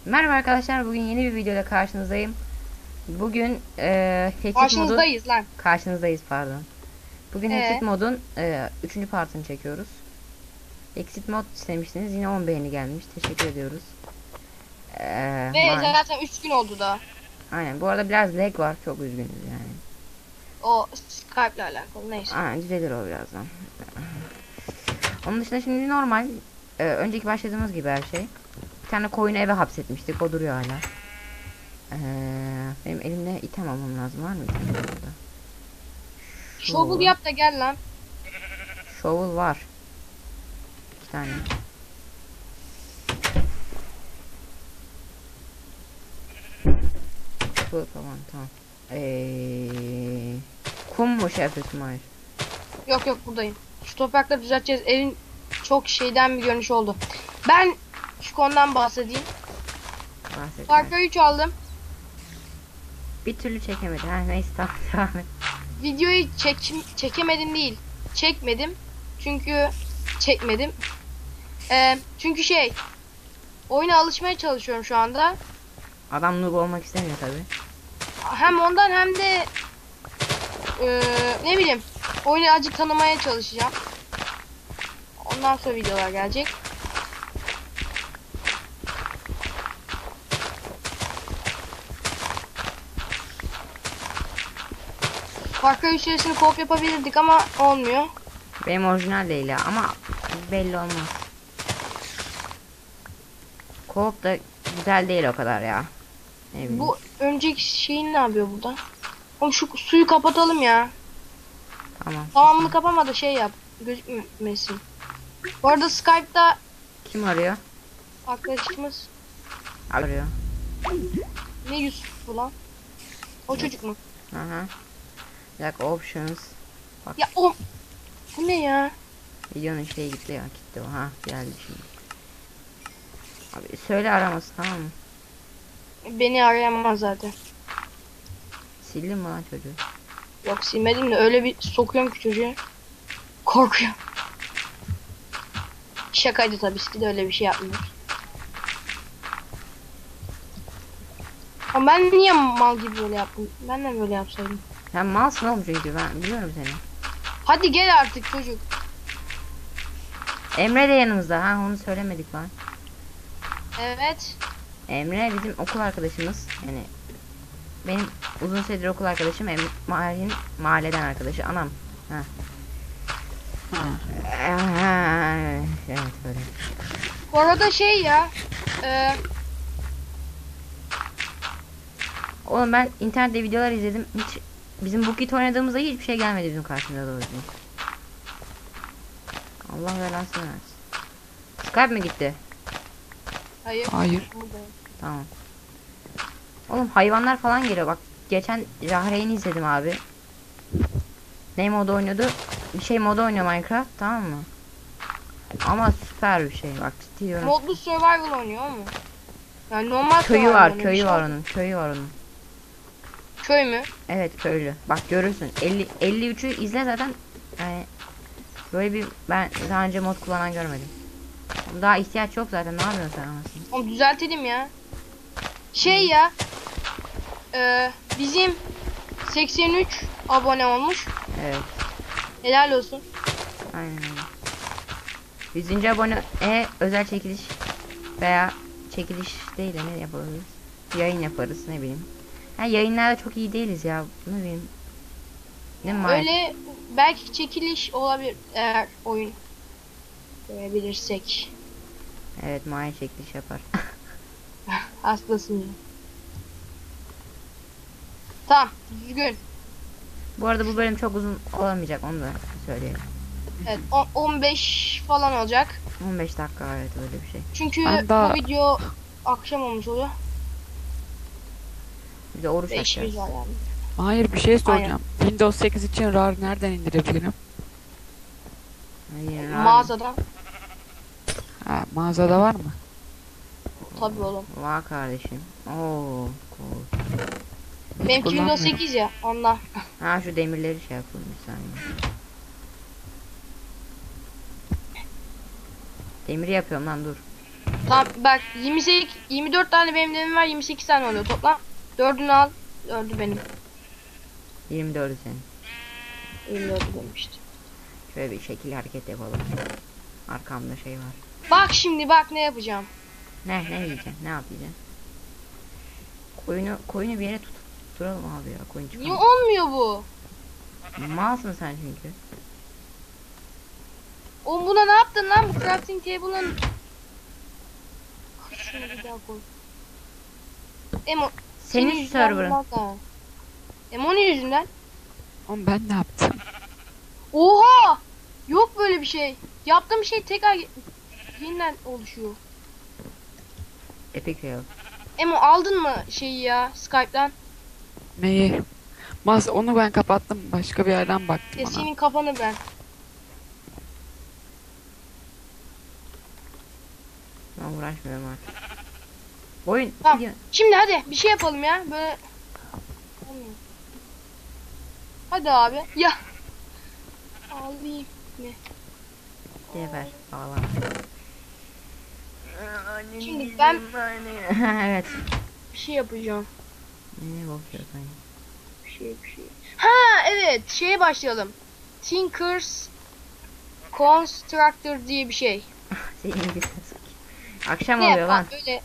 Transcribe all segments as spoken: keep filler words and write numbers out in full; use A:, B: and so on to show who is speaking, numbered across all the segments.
A: Merhaba arkadaşlar, bugün yeni bir videoda karşınızdayım. Bugün e, Hexit modun
B: Karşınızdayız lan.
A: karşınızdayız pardon. Bugün Hexit
B: Ee,
A: modun e, üçüncü partını çekiyoruz. Hexit mod istemiştiniz, yine on beğeni gelmiş. Teşekkür ediyoruz. E,
B: ve
A: ma-
B: zaten üç gün oldu da.
A: Aynen. Bu arada biraz lag var, çok üzgünüz yani.
B: O Skype ile alakalı neyse.
A: Aynen, düzelir o birazdan. Onun dışında şimdi normal. E, önceki başladığımız gibi her şey. Bir tane koyunu eve hapsetmiştik, o duruyor hala. Ee, benim elimde item almam lazım. Var mı item burada?
B: Shovel yap da gel lan.
A: Shovel var. İki tane. Bu tamam tamam. Ee, kum mu şey yapıyorsun? Hayır.
B: Yok yok buradayım. Şu toprakları düzelteceğiz. Evin çok şeyden bir görünüş oldu. Ben şu konudan bahsedeyim.
A: Bahset.
B: Far Cry üç aldım.
A: Bir türlü çekemedi. Ha neyse tamam devam et.
B: Videoyu çek çekemedim değil. Çekmedim. Çünkü çekmedim. Ee, çünkü şey oyuna alışmaya çalışıyorum şu anda.
A: Adam noob olmak istemiyor tabi.
B: Hem ondan hem de Ee, ne bileyim oyunu azıcık tanımaya çalışacağım. Ondan sonra videolar gelecek. Far Cry üç serisini co-op yapabilirdik ama olmuyor.
A: Benim orijinal değil ya ama belli olmaz. Co-op da güzel değil o kadar ya. Ne bileyim.
B: Bu önceki şeyin ne yapıyor burada? Oğlum şu suyu kapatalım ya.
A: Tamam.
B: Tamamını kapama da şey yap. Gözükmesin. Bu arada Skype'da
A: Kim arıyor?
B: arkadaşımız
A: Arıyor.
B: ne Yusuf lan? O çocuk mu?
A: Aha. Bir dakika, options.
B: Ya o bu ne ya?
A: Videonun şeyi gitti ya, gitti o. Ha geldi şimdi. Abi söyle araması, tamam mı?
B: Beni arayamaz zaten.
A: Sildin mi lan çocuğu?
B: Yok silmedim de öyle bir sokuyorum ki çocuğu. Korkuyor. Şakaydı tabii ki de öyle bir şey yapmıyor. Ama ben niye mal gibi böyle yaptım? Ben de böyle yapsaydım.
A: Sen malsın oğlum çünkü ben biliyorum seni.
B: Hadi gel artık çocuk.
A: Emre de yanımızda, ha onu söylemedik lan.
B: Evet.
A: Emre bizim okul arkadaşımız, yani benim uzun süredir okul arkadaşım, Emre mahallenin mahalleden arkadaşı, anam. Ha. Ha. Evet böyle.
B: Bu arada şey ya. E,
A: Oğlum ben internette videolar izledim, hiç bizim bu kit oynadığımızda hiçbir şey gelmedi bizim karşımıza doğru. Allah belasını versin. Skype mi gitti?
B: hayır.
C: Hayır.
B: Buradayım.
A: Tamam. Oğlum hayvanlar falan geliyor bak. Geçen Jahreyn'i izledim abi. Ne modu oynuyordu? Bir şey modu oynuyor Minecraft, tamam mı? Ama süper bir şey bak, ciddi diyorum.
B: Modlu survival oynuyor mu? Yani normal
A: Köyü
B: survival
A: var,
B: oynuyor,
A: köyü
B: bir
A: var
B: şey-
A: onun, köyü var onun.
B: Köy mü?
A: Evet köylü. Bak görürsün. elli elli üçü izle zaten. Yani böyle bir ben daha önce mod kullanan görmedim. Daha ihtiyaç yok zaten. Ne yapıyorsun sen anasını?
B: Oğlum düzeltelim ya. Şey ya. E, bizim seksen üç abone olmuş.
A: Evet.
B: Helal olsun.
A: Aynen öyle. yüzüncü abone e özel çekiliş veya çekiliş değil de ne yapabiliriz? Yayın yaparız, ne bileyim. Ha, yayınlarda çok iyi değiliz ya. Ne bileyim. Ne mi?
B: Öyle belki çekiliş olabilir eğer oyun görebilirsek.
A: Evet, Maya çekiliş yapar.
B: Hastasın ya. Tamam düzgün.
A: Bu arada bu bölüm çok uzun olamayacak, onu da söyleyelim.
B: Evet on- on beş falan olacak.
A: on beş dakika, evet öyle bir şey.
B: Çünkü
C: Ben daha-
B: bu video akşam olmuş oluyor.
A: Bir de oruç
B: Ve işimiz
A: açacağız.
B: var yani.
C: Hayır, bir şey soracağım. Windows sekiz için RAR nereden indirebilirim?
A: Hayır,
B: Mağazadan.
C: Ha, mağazada var mı?
B: Tabii oğlum.
A: Vay kardeşim. Oo. Cool.
B: Benim Windows
C: kullanmıyorum.
B: sekiz ya ondan.
A: Ha şu demirleri şey yapalım bir saniye. Demiri yapıyorum lan, dur.
B: Tamam bak yirmi sekiz yirmi dört tane benim demim var, yirmi sekiz tane oluyor toplam. Dördünü al. Dördü benim.
A: yirmi dördü senin.
B: yirmi dördü benim işte.
A: Şöyle bir şekil hareket yapalım. Arkamda şey var.
B: Bak şimdi bak ne yapacağım.
A: Ne ne yiyeceksin? Ne yapacaksın? Koyunu koyunu bir yere tut. Duralım abi ya, koyun
B: Niye
A: çıkalım.
B: olmuyor bu?
A: Malsın sen çünkü.
B: Oğlum buna ne yaptın lan, bu crafting table'ın? Şunu bir daha koy. Emo
A: Senin
B: yüzünden
A: server'ın.
B: olmaz ha. Emo'nun yüzünden.
C: Oğlum ben ne yaptım?
B: Oha! Yok böyle bir şey. Yaptığım şey tekrar yeniden oluşuyor.
A: Epic fail.
B: Emo aldın mı şeyi ya Skype'dan?
C: Neyi? Mas onu ben kapattım. Başka bir yerden baktım
B: Ya
C: ona.
B: senin kafanı ben.
A: Ben uğraşmıyorum artık. Oyun
B: Tamam.
A: gidiyor.
B: Şimdi hadi bir şey yapalım ya. Böyle olmuyor. Hadi abi. Ya. Alayım. Ne?
A: Geber. Ağla.
B: Şimdi ben
A: Evet.
B: bir şey yapacağım.
A: Ne bakıyorsun?
B: Bir şey bir şey. Ha evet, şeye başlayalım. Tinker's Constructor diye bir şey.
A: Senin gibi. Akşam
B: Ne
A: oluyor
B: yapar
A: lan.
B: böyle?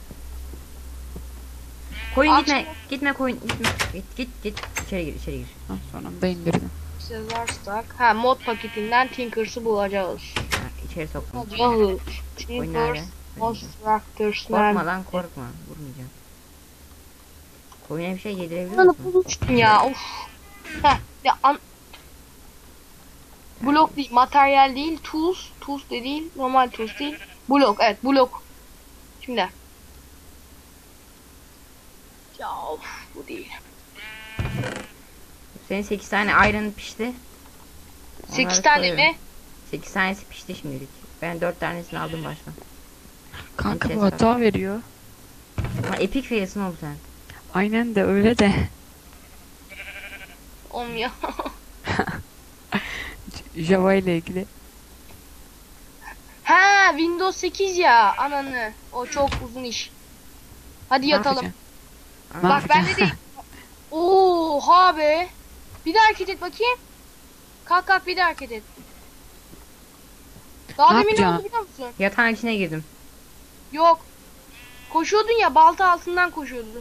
A: Koyun
B: Akşam-
A: gitme. Gitme koyun gitme. Git git git. İçeri gir içeri gir.
C: Ha, sonunda indirdim.
B: Sezar Stack. Ha mod paketinden Tinker's'ı bulacağız.
A: Ha, içeri soktum.
B: Bulacağız.
A: Oyun
B: Tinker's
A: nerede?
B: Constructors
A: Korkma lan korkma. Vurmayacağım. Koyuna bir şey yedirebiliyor
B: Lan
A: musun?
B: bulmuştum ya. Of. Heh. Ya an blok değil, materyal değil, tools, tools de değil, normal tools değil. Blok, evet blok. Şimdi. Ya of, bu değil.
A: Senin sekiz tane iron pişti.
B: sekiz
A: Onları
B: tane
A: koyuyorum.
B: mi?
A: sekiz tanesi pişti şimdilik. Ben dört tanesini aldım baştan.
C: Kanka
A: Ses
C: bu
A: var.
C: hata veriyor.
A: Ama epic failsin oğlum sen.
C: Aynen de öyle de.
B: Olmuyor.
C: Java ile ilgili.
B: Ha, Windows sekiz ya, ananı. O çok uzun iş. Hadi
C: Ne
B: yatalım.
C: yapacaksın?
A: Aa,
C: Ne
B: Bak ben de
C: yapacaksın?
B: değil. Oha be. Bir daha hareket et bakayım. Kalk kalk bir daha hareket et. Daha
C: Ne
B: demin ne
C: yapacaksın?
B: oldu biliyor musun?
A: Yatağın içine girdim.
B: Yok. Koşuyordun ya, balta altından koşuyordun.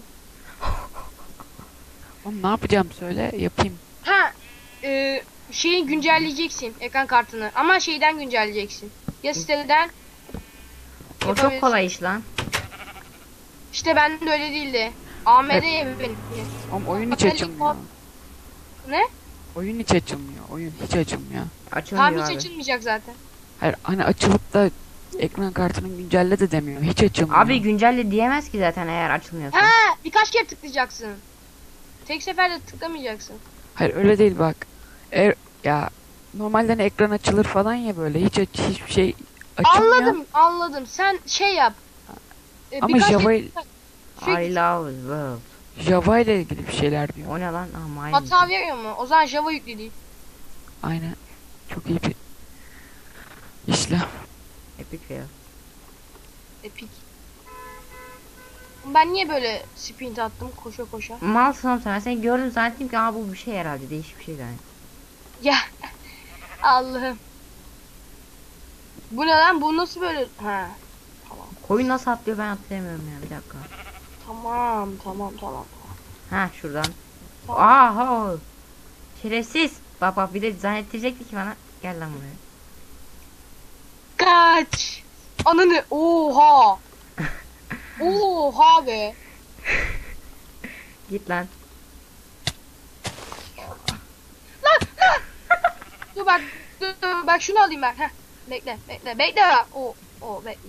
C: Oğlum ne yapacağım söyle yapayım.
B: Ha, e, şeyi güncelleyeceksin, ekran kartını. Ama şeyden güncelleyeceksin. Ya siteden.
A: O
B: Yapabilirsin.
A: çok kolay iş lan.
B: İşte bende de öyle değildi. A M D ya benimki.
C: Oğlum oyun hiç
B: Bakalım.
C: açılmıyor.
B: Ne?
C: Oyun hiç açılmıyor. Oyun hiç açılmıyor.
A: Açılmıyor
B: Tamam hiç
A: abi.
B: açılmayacak zaten.
C: Hayır hani açılıp da ekran kartını güncelle de demiyor. Hiç açılmıyor.
A: Abi güncelle diyemez ki zaten eğer açılmıyorsa.
B: Ha, birkaç kere tıklayacaksın. Tek seferde tıklamayacaksın.
C: Hayır öyle değil bak. Eğer ya normalde hani ekran açılır falan ya böyle hiç aç, hiçbir şey açılmıyor.
B: Anladım, anladım. Sen şey yap. E,
C: Ama
B: birkaç
C: Java
B: kere Şey-
A: I love the world.
C: Java ile ilgili bir şeyler diyor.
A: O ne lan? Aa, mine.
B: hata veriyor mu? O zaman Java yüklü değil.
C: Aynen. Çok iyi bir işlem.
A: Epic fail.
B: Epic. Ben niye böyle sprint attım koşa koşa?
A: Malsın oğlum sen. Ben seni gördüm zannettim ki aa bu bir şey herhalde. Değişik bir şey yani.
B: Ya Allah'ım. Bu ne lan? Bu nasıl böyle? Ha.
A: Koyun nasıl atlıyor ben atlayamıyorum ya. Bir dakika.
B: Tamam, tamam, tamam.
A: Ha şuradan.
B: Tamam.
A: Aha. Şerefsiz. Bak bak bir de zannettirecekti ki bana. Gel lan buraya.
B: Kaç. Ananı. Oha. Oha be.
A: Git lan.
B: Dur bak. Dur, dur bak şunu alayım ben. Heh. Bekle, bekle, bekle. O, o bekle.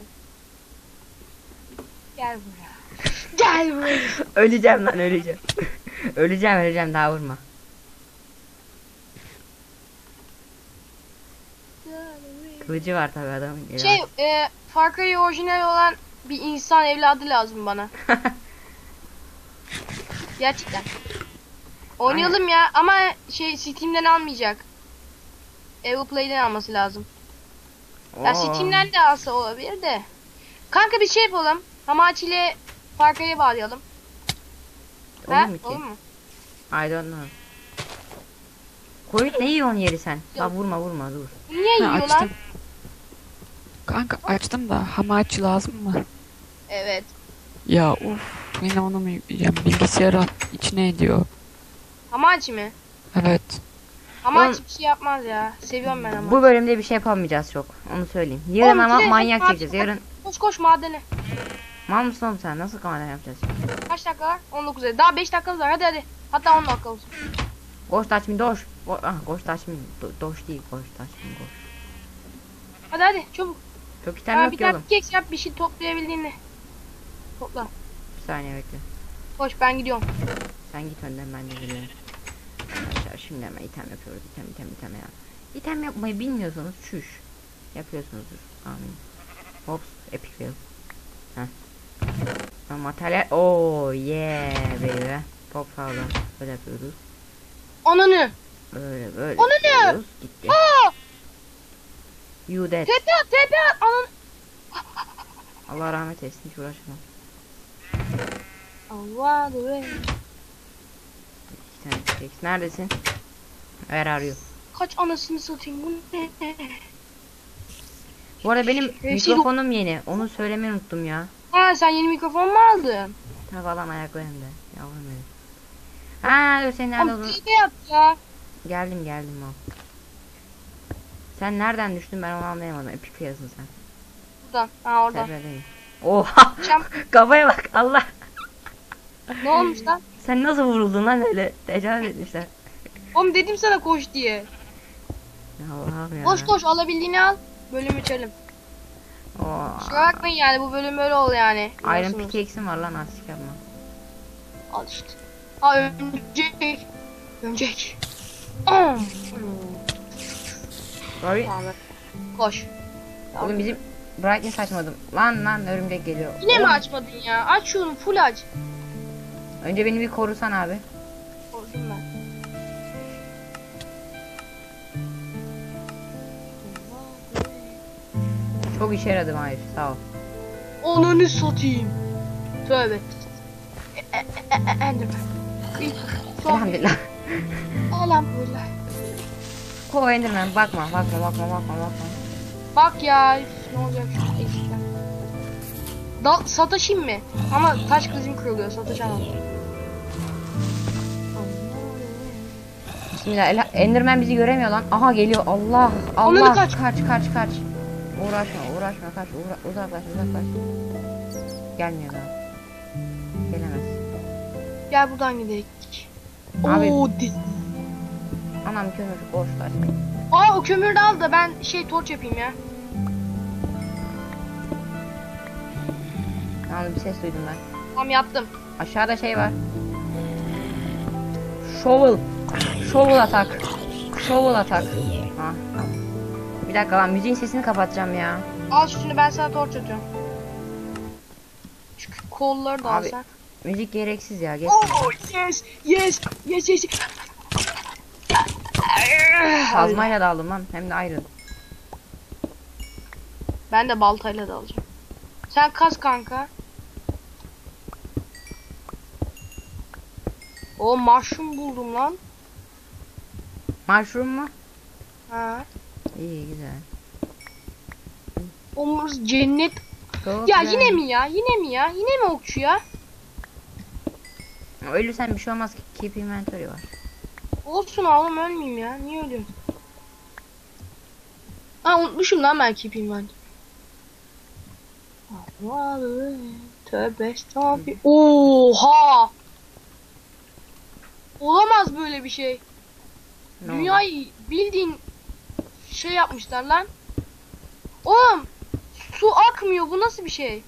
B: Gel buraya. Gel buraya.
A: Öleceğim lan öleceğim. öleceğim öleceğim daha vurma. Kılıcı var tabi adamın.
B: Şey, e, Far Cry orijinal olan bir insan evladı lazım bana. Gerçekten. Oynayalım ya ama şey Steam'den almayacak. Evoplay'den alması lazım. Ya
A: Oo.
B: Steam'den de alsa olabilir de. Kanka bir şey yapalım. Hamachi ile Farkayı bağlayalım.
A: Olur
B: He?
A: mu ki?
B: Olur mu?
A: I don't know. Koyun ne yiyorsun yeri sen? La vurma vurma dur.
B: Niye
C: Ha,
B: yiyorlar?
C: açtım. Kanka açtım da hamachi lazım mı?
B: Evet.
C: Ya of yine onu mu yükleyeceğim? Bilgisayara içine ediyor.
B: Hamachi mi?
C: Evet.
B: Hamachi
A: Oğlum-
B: bir şey yapmaz ya. Seviyorum ben Hamachi.
A: Bu bölümde bir şey yapamayacağız çok. Onu söyleyeyim. Yarın
B: Oğlum,
A: ama
B: direkt
A: manyak
B: hadi-
A: çekeceğiz. Yarın
B: Koş koş madene.
A: mal mısın oğlum sen? Nasıl kamera yapacağız?
B: Kaç dakika var? on dokuz. Daha beş dakikamız var. Hadi hadi. Hatta on dakika olsun.
A: Koş taş mı doş? Go ah, koş taş mı? Do- doş değil koş taş mı koş.
B: Hadi hadi çabuk.
A: Çok item
B: Ha,
A: yok
B: bir
A: ki
B: tane
A: oğlum.
B: pickaxe yap, bir şey toplayabildiğini. Topla.
A: Bir saniye bekle.
B: Koş ben gidiyorum.
A: Sen git önden ben de geliyorum. Arkadaşlar şimdi hemen item yapıyoruz. İtem item item ya. İtem yapmayı bilmiyorsanız çüş. Yapıyorsunuzdur. Amin. Hops epic fail. Heh. Ha, materyal. Oh yeah baby. Pop falan. Böyle yapıyoruz.
B: Ananı.
A: Böyle böyle.
B: O ne ne?
A: yapıyoruz. Gitti.
B: Aa!
A: You dead.
B: Tepe at tepe at. Ananı.
A: Allah rahmet eylesin hiç uğraşmam.
B: Allah dur.
A: İki tane tek. Neredesin? Ver arıyor.
B: Kaç anasını satayım bu ne?
A: Bu arada benim
B: Şey-
A: mikrofonum yeni. Onu söylemeyi unuttum ya.
B: Ha sen yeni mikrofon mu aldın?
A: Tavalan ayaklarında. Yavrum benim. Ha dur sen nerede
B: Oğlum
A: oldun?
B: tepe yap ya.
A: Geldim geldim o. Sen nereden düştün ben onu anlayamadım. Epic failsın sen.
B: Buradan. Ha oradan.
A: Tepedeyim. Oha!
B: Çam.
A: Kafaya bak Allah.
B: Ne olmuş lan?
A: Sen nasıl vuruldun lan öyle? Tecavüz etmişler.
B: Oğlum dedim sana koş diye.
A: Ya Allah'ım ya.
B: Koş koş alabildiğini al. Bölüm içelim.
A: Oo.
B: Kusura bakmayın yani bu bölüm böyle oldu yani.
A: Iron
B: Biliyorsunuz.
A: pickaxe'im var lan artık yapma.
B: Al işte. Ha ölecek. Ölecek. Aa!
A: Sorry.
B: Tamam. Koş.
A: Oğlum bizim brightness açmadım. Lan lan örümcek geliyor.
B: Yine mi
A: Oğlum,
B: açmadın ya? Aç şunu full aç.
A: önce beni bir korusan abi.
B: Korktum ben.
A: Çok işe yaradım hayır sağ ol.
B: Ananı satayım. Tövbe. E, e, e, e, Enderman. İlk son.
A: Elhamdülillah.
B: Elhamdülillah.
A: Ko Enderman bakma bakma bakma bakma bakma.
B: Bak ya üf, ne olacak şu eksikten. Da sataşayım mı? Ama taş kılıcım kırılıyor sataşamam.
A: Bismillah. Ela- Enderman bizi göremiyor lan. Aha geliyor. Allah.
B: Onları
A: Allah.
B: kaç.
A: Kaç kaç kaç. Uğraşma uğraşma kaç. Uğra uzaklaş uzaklaş. Gelmiyor daha. Gelemez.
B: Gel buradan gidelim.
A: Abi-
B: Oo, di-
A: Anam kömür boş taş.
B: Aa o kömürü de al da ben şey torç yapayım ya.
A: Yalnız bir ses duydum ben.
B: Tamam yaptım.
A: Aşağıda şey var. Shovel. Shovel atak. Shovel atak. Ha. Bir dakika lan müziğin sesini kapatacağım ya.
B: Al şunu ben sana torç atıyorum. Şu kolları da al
A: Abi,
B: sen.
A: Müzik gereksiz ya. Geç.
B: Oh yes yes yes yes.
A: Kazmayla da aldım lan. Hem de ayrı.
B: Ben de baltayla da alacağım. Sen kaz kanka. O mushroom buldum lan.
A: Mushroom mu?
B: Ha.
A: İyi güzel.
B: Omuz cennet.
A: Çok
B: Ya
A: güzel.
B: yine mi ya? Yine mi ya? Yine mi okçu ya?
A: Ölürsen bir şey olmaz ki. Keep inventory var.
B: Olsun oğlum ölmeyeyim ya. Niye ölüyorsun? Ha unutmuşum lan ben keep inventory. Tövbe estağfurullah. Oha! Olamaz böyle bir şey.
A: Ne oldu?
B: Dünyayı bildiğin şey yapmışlar lan. Oğlum su akmıyor bu nasıl bir şey?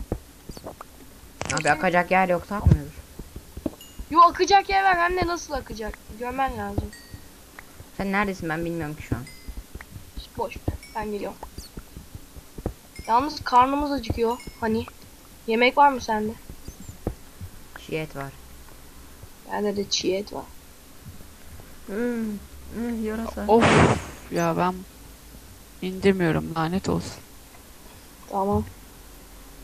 A: Abi akacak yer yok takmıyordur.
B: Yo akacak yer var hem de nasıl akacak? Görmen lazım.
A: Sen neredesin ben bilmiyorum ki şu an.
B: Boş ver, ben geliyorum. Yalnız karnımız acıkıyor. Hani yemek var mı sende?
A: Çiğ et var.
B: Bende de çiğ et var.
A: Hmm, hmm, yarasa.
C: Of ya ben indirmiyorum lanet olsun.
B: Tamam.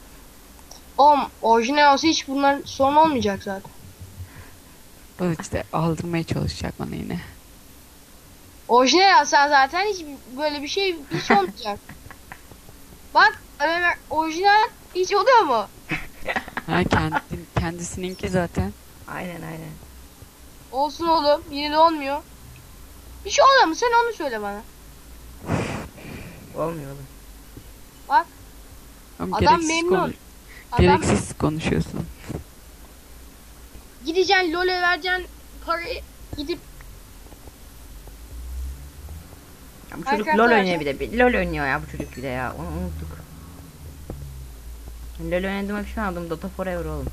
B: Oğlum orijinal olsa hiç bunlar sorun olmayacak zaten.
C: O işte aldırmaya çalışacak bana yine.
B: Orijinal alsan zaten hiç böyle bir şey hiç olmayacak. Bak Ömer, orijinal hiç oluyor mu?
C: Ha kendi, kendisininki zaten.
A: Aynen aynen.
B: Olsun oğlum yine de olmuyor. Bir şey oluyor mu sen onu söyle bana.
A: Olmuyor oğlum.
B: Bak
C: Ama
B: adam
C: gereksiz
B: memnun.
C: konuş-
B: Adam
C: Gereksiz konuşuyorsun.
B: gideceksin LoL'e vereceksin parayı gidip
A: Ya bu çocuk
B: Minecraft
A: LOL oynuyor
B: oynayacak.
A: bir de. Bir LOL oynuyor ya bu çocuk bir de ya. Onu unuttuk. LOL oynadığıma pişman oldum. Dota Forever oğlum.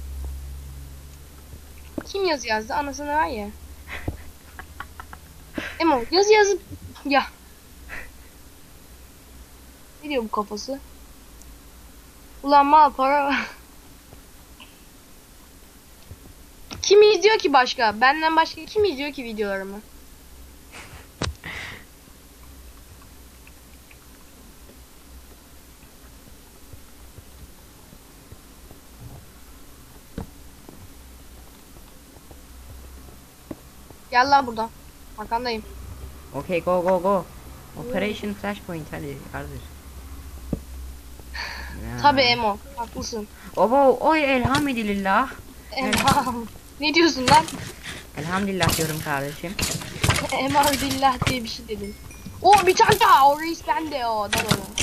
B: kim yazı yazdı anasını var ya. Emo yazı yazıp ya. Ne diyor bu kafası? Ulan mal para var. Kim izliyor ki başka? Benden başka kim izliyor ki videolarımı? Gel lan buradan. Arkandayım.
A: Okay go go go. Operation Flashpoint hadi kardeş. Ya.
B: Tabii Emo. Haklısın.
A: Obo oy elhamdülillah.
B: Emo. Ne diyorsun lan?
A: Elhamdülillah diyorum kardeşim.
B: Emo billah diye bir şey dedin. O bir tane daha. O reis bende o. Dal onu.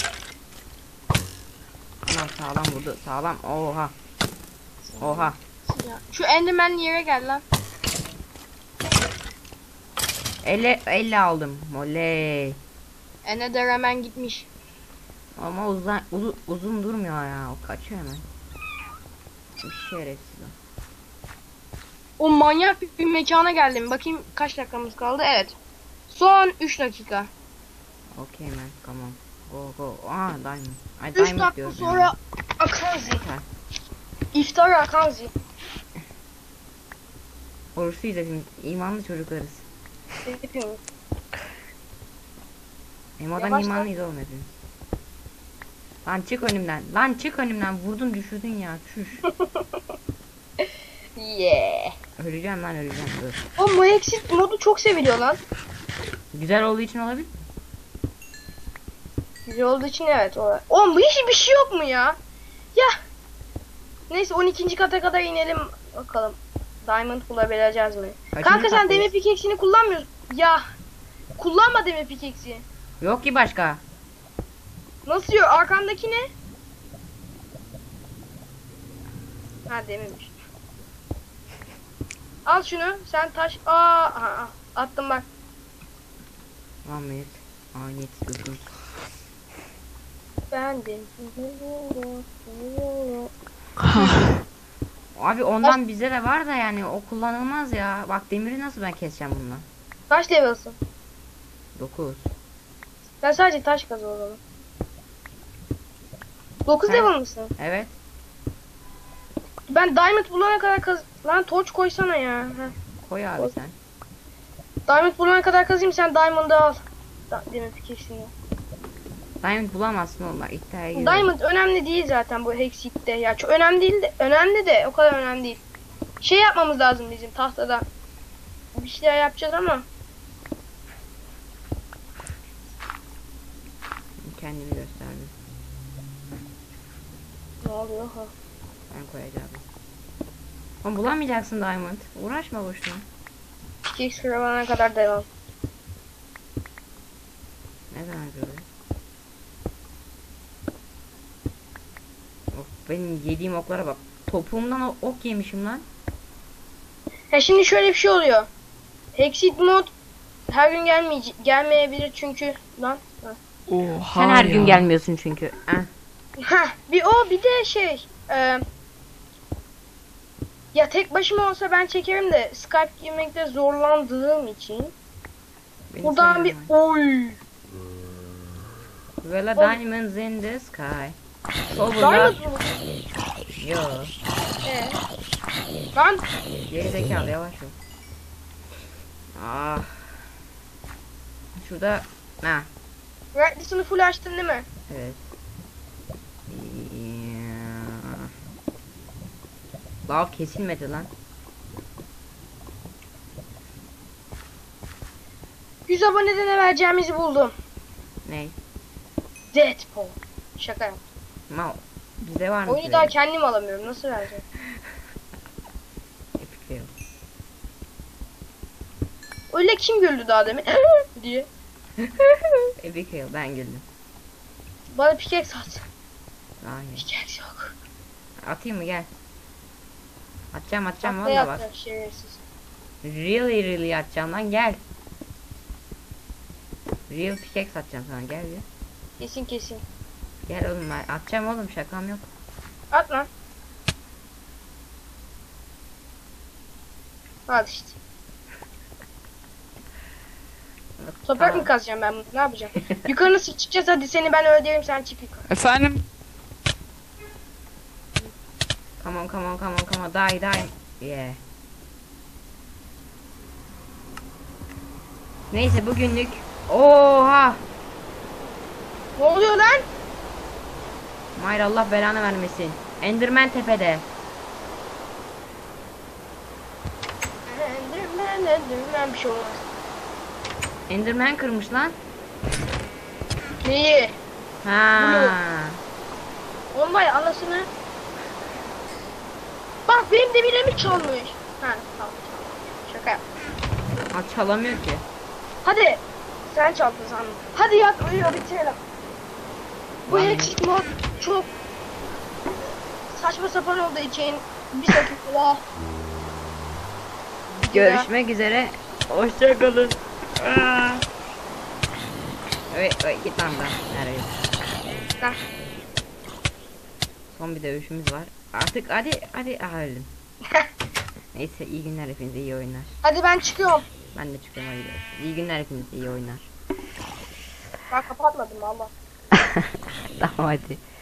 A: Ulan sağlam vurdu sağlam. Oha. Oha.
B: Ya, şu Enderman yere gel lan.
A: elli elli aldım. Oley.
B: Ender hemen gitmiş.
A: Ama uzun, uzun, uzun durmuyor ya. O kaçıyor hemen. Bir şerefsiz o.
B: O manyak bir, bir mekana geldim. Bakayım kaç dakikamız kaldı. Evet. Son üç dakika.
A: Okay man come on. Go go. Aa diamond. Ay
B: üç
A: diamond
B: dakika
A: diyorum
B: sonra
A: ya.
B: Akanzi.
A: Yeter.
B: İftar Akanzi.
A: Oruçluyuz hepimiz. İmanlı çocuklarız.
B: Yapıyorum.
A: Emo'dan
B: Yavaş lan.
A: imanlıyız oğlum hepimiz. Lan çık önümden. Lan çık önümden. Vurdun düşürdün ya. Çüş.
B: Yeah.
A: Öleceğim lan öleceğim. Dur.
B: O Moexit modu çok seviliyor lan.
A: Güzel olduğu için olabilir.
B: Güzel olduğu için evet. O. Oğlum bu hiç bir şey yok mu ya? Ya. Neyse on ikinci kata kadar inelim bakalım. Diamond bulabileceğiz mi?
A: Kaçıncı
B: Kanka sen
A: kattayız?
B: demir pickaxe'ini kullanmıyorsun. Ya. Kullanma demir pickaxe'i.
A: Yok ki başka.
B: Nasıl yok? Arkandaki ne? Ha demirmiş. Al şunu. Sen taş. Aa, aha, aha. Attım bak.
A: Ahmet. Ahmet dokuz.
B: Bendim.
A: Abi ondan bizde de var da yani o kullanılmaz ya. Bak demiri nasıl ben keseceğim bununla?
B: Kaç level'sın?
A: dokuz.
B: Sen sadece taş kaz o zaman. dokuz
A: Sen-
B: level mısın?
A: Evet.
B: Ben diamond bulana kadar kaz... Lan torç koysana ya. Heh.
A: Koy abi sen.
B: Diamond bulana kadar kazayım sen diamond'ı al. Da demir pickaxe'ini.
A: Diamond bulamazsın oğlum bak iddiaya giriyorum.
B: Diamond önemli değil zaten bu Hexit'te. Ya çok önemli değil de önemli de o kadar önemli değil. Şey yapmamız lazım bizim tahtada. Bir şeyler yapacağız ama
A: Kendimi gösterdim.
B: ne oluyor ha?
A: Ben koyacağım. Oğlum bulamayacaksın Diamond. Uğraşma boşuna.
B: Pickaxe kırılana kadar devam.
A: Ne zaman böyle? Of benim yediğim oklara bak. Topuğumdan o- ok yemişim lan.
B: Ha şimdi şöyle bir şey oluyor. Hexit mod her gün gelmeyecek gelmeyebilir çünkü lan. Ha.
C: Oha
A: Sen her
C: ya.
A: gün gelmiyorsun çünkü. Heh.
B: Heh, bir o bir de şey e, ya tek başıma olsa ben çekerim de Skype girmekte zorlandığım için
A: Beni
B: buradan bir
A: sevmiyor.
B: oy
A: Well, a
B: Oğlum.
A: diamonds in the sky. Oh,
B: Diamond
A: bunlar.
B: mı?
A: Yo.
B: Ee, lan
A: Geri zekalı yavaş ol. Ah. Şurada. Ha.
B: Redlison'u full açtın değil mi?
A: Evet. Lav kesilmedi lan.
B: yüz abonede ne vereceğimizi buldum.
A: Ne?
B: Deadpool. Şaka yap.
A: Mal. Bizde var mı?
B: Oyunu daha kendim alamıyorum. Nasıl vereceğim?
A: Epic fail.
B: Öyle kim güldü daha demin? diye.
A: Epic fail, ben güldüm.
B: Bana pickaxe at.
A: Hayır.
B: Pickaxe yok.
A: Atayım mı, gel. Atacağım atacağım
B: Tahtaya
A: valla bak.
B: atacak şerefsiz.
A: Really really atacağım lan, gel. Real pickaxe atacağım sana, gel bir.
B: Kesin kesin.
A: Gel oğlum, ben atacağım oğlum, şakam yok.
B: At lan. Al işte. Toprak
A: Tamam.
B: mı kazacağım ben bunu? Ne yapacağım? Yukarı nasıl çıkacağız? Hadi seni ben öldüreyim, sen çık yukarı.
C: Efendim?
A: Come on come on come on come on, die die. Yeah. Neyse bugünlük. Oha.
B: Ne oluyor lan?
A: Mayra Allah belanı vermesin. Enderman tepede.
B: Enderman, Enderman bir şey olmaz.
A: Enderman kırmış lan.
B: Neyi?
A: Ha.
B: Onun var ya anasını. Bak benim demirimi çalmış. Ha tamam. Şaka yap.
A: Ha, çalamıyor ki.
B: Hadi. Sen çaldın sandım. Hadi yat uyuyor bitirelim. Bu
A: Lan.
B: eksik mod çok saçma sapan olduğu için bir dakika daha.
A: Görüşmek üzere. Hoşçakalın. Evet, evet git lan buradan. Nereye?
B: Lan.
A: Son bir dövüşümüz var. Artık hadi hadi. Aha öldüm. Neyse iyi günler hepinize, iyi oyunlar.
B: Hadi ben çıkıyorum.
A: Ben de çıkıyorum, hadi. İyi günler hepinize, iyi oyunlar.
B: Ben kapatmadım valla.
A: Tamam hadi.